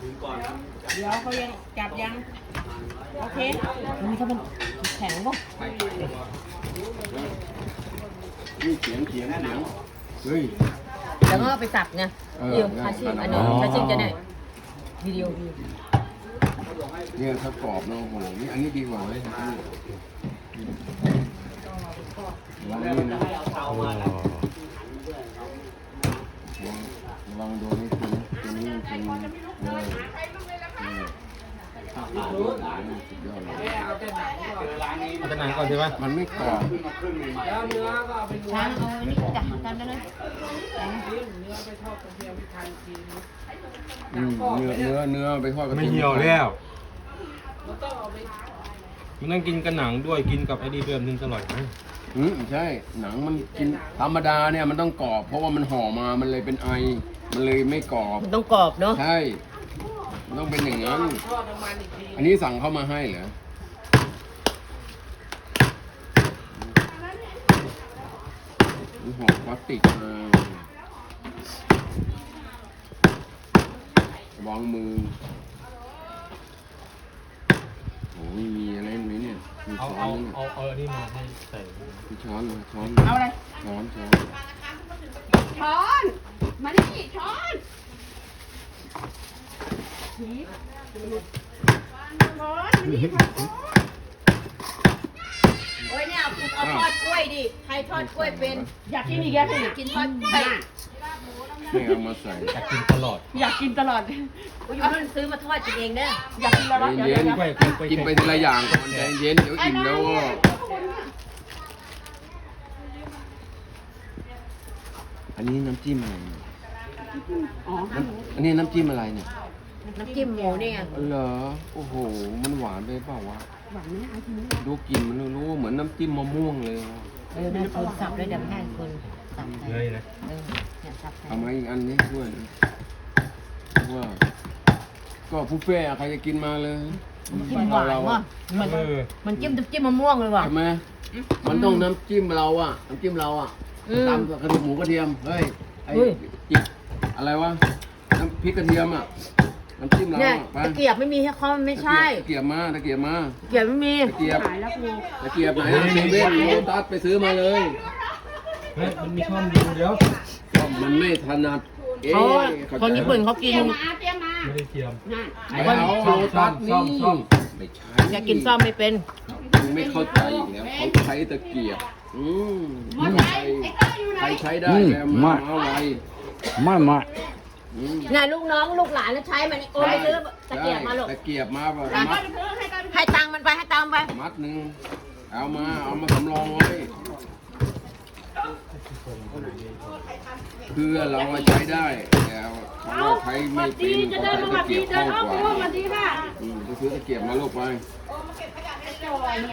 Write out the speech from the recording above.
เดี๋ยวเขายังจับยังโอเคอันนี้เขาเป็นแข็งป่ะนี่เขียนเฮ้ยแล้วก็ไปสับไงเดี๋ยวอาชีพอันนี้อาชีพจะได้วิดีโอเนี่ยถ้ากรอบเนาะโอ้โหนี่อันนี้ดีกว่าเลยลองนี่นะลองดูนี่ตัวนี้เป็นสุดยอดเลยเอาแต่หนังก่อนใช่ไหมมันไม่กรอบช้างเอาอันนี้จับกันได้เลยเนื้อไปทอดกับไม่เหี่ยวแล้วมันต้องกินกับหนังด้วยกินกับไอ้ดีเดิมนึงอร่อยไหมใช่หนังมันกินธรรมดาเนี่ยมันต้องกรอบเพราะว่ามันห่อมามันเลยเป็นไอมันเลยไม่กรอบมันต้องกรอบเนาะใช่มันต้องเป็นอย่างนั้นอันนี้สั่งเข้ามาให้เหรอนี่ห่อพลาสติกมาวางมือโอ้ยมีอะไรไหมเนี่ยมีเอาช้อเอานไหมเอาอันนี้มาให้ใส่มีช้อนไหมช้อนเอาอะไรช้อนช้อนมาดิช้อนโอ้ยเนี่ยเอาทอดกล้วยดิใครทอดกล้วยเป็นอยากกินอีกแล้วอยากกินทอดกล้วยไม่เอามาใส่อยากกินตลอดอยากกินตลอดอยู่นู่นซื้อมาทอดกินเองเด้ออยากกินตลอดเย็นกล้วยๆกินไปทีละอย่างก่อนใจเย็นเดี๋ยวอิ่มแล้วก็อันนี้น้ำจิ้มอะไรเนี่ยอันนี้น้ำจิ้มอะไรเนี่ยน้ำจิ้มหมูนี่ไงเหรอโอ้โหมันหวานไปเปล่าวะหวานไหมดูกลิ่นมันรู้เหมือนน้ำจิ้มมะม่วงเลยแม่คนสับเลยเดี๋ยวแม่คนสับเลยนะเนี่ยสับเอามาอีกอันนี้ด้วยว่าก็บุฟเฟ่ต์ใครจะกินมาเลยจิ้มหวานว่ะมันจิ้มจิ้มมะม่วงเลยว่ะใช่ไหมมันต้องน้ำจิ้มเราอ่ะน้ำจิ้มเราอ่ะตามกระดูกหมูกระเทียมเฮ้ยไอ้จิบอะไรวะน้ำพริกกระเทียมอ่ะน้ำจิ้มเราเนี่ยอ่ะตะเกียบไม่มีให้เขาไม่ใช่ตะเกียบมาตะเกียบมาตะเกียบไม่มีตะเกียบตะเกียบไหนเซเว่นโลตัสไปซื้อมาเลยเฮ้ยมันมีช่องดูเดี๋ยวมันไม่ถนัดคนญี่ปุ่นเขากินไม่ได้เทียมไม่เอาโลตัสนี่ไม่ใช่อยากกินซ่อมไม่เป็นมึงไม่เข้าใจอีกแล้วเขาใช้ตะเกียบใครใช้ได้แล้วมาไวไม่นายลูกน้องลูกหลานแล้วใช้มันโอ้ยซื้อตะเกียบมาลูกตะเกียบมาแบบให้ตังค์มันไปให้ตังค์ไปมัดหนึ่งเอามาสำรองไว้เพื่อเราใช้ได้แต่เราใช้ไม่เป็นเขาใช้ตะเกียบคล่องกว่าไปซื้อตะเกียบมาลูกไป